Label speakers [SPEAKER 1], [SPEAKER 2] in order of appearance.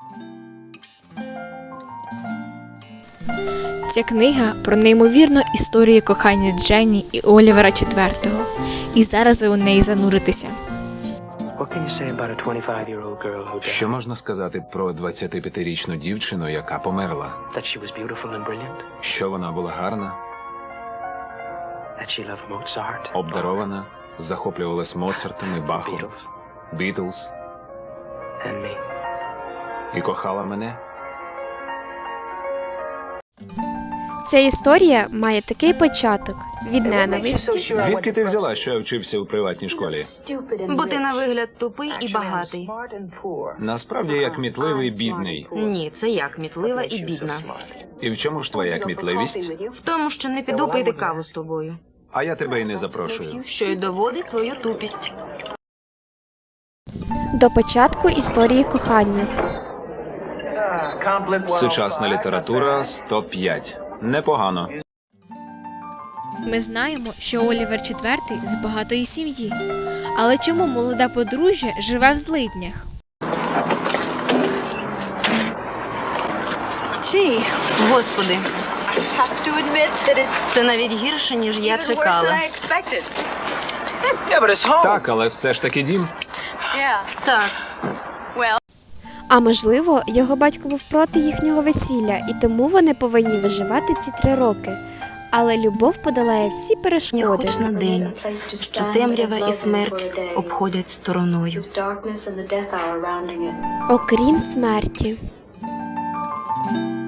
[SPEAKER 1] Ця книга про неймовірну історію кохання Дженні і Олівера IV. І зараз ви у неї зануритеся.
[SPEAKER 2] Що можна сказати про 25-річну дівчину, яка померла? Що вона була гарна, обдарована, захоплювалась Моцартом і Бахом, Бітлз і кохала мене?
[SPEAKER 3] Ця історія має такий початок – від ненависті,
[SPEAKER 2] Звідки ти взяла, що я вчився у приватній школі?
[SPEAKER 4] Бо ти на вигляд тупий і багатий.
[SPEAKER 2] Насправді я кмітливий і бідний.
[SPEAKER 4] Ні, це я кмітлива і бідна.
[SPEAKER 2] І в чому ж твоя кмітливість?
[SPEAKER 4] В тому, що не піду пити каву з тобою.
[SPEAKER 2] А я тебе й не запрошую.
[SPEAKER 4] Що й доводить твою тупість.
[SPEAKER 3] до початку історії кохання.
[SPEAKER 2] Сучасна література 105. Непогано.
[SPEAKER 1] Ми знаємо, що Олівер IV з багатої сім'ї. Але чому молоде подружжя живе в злиднях?
[SPEAKER 4] Господи, це навіть гірше, ніж я чекала.
[SPEAKER 2] Так, але все ж таки дім.
[SPEAKER 4] Так,
[SPEAKER 3] А можливо, його батько був проти їхнього весілля, і тому вони повинні виживати ці 3 роки. Але любов подолає всі
[SPEAKER 4] не
[SPEAKER 3] перешкоди.
[SPEAKER 4] хоч на день, що темрява і смерть обходять стороною.
[SPEAKER 3] Окрім смерті.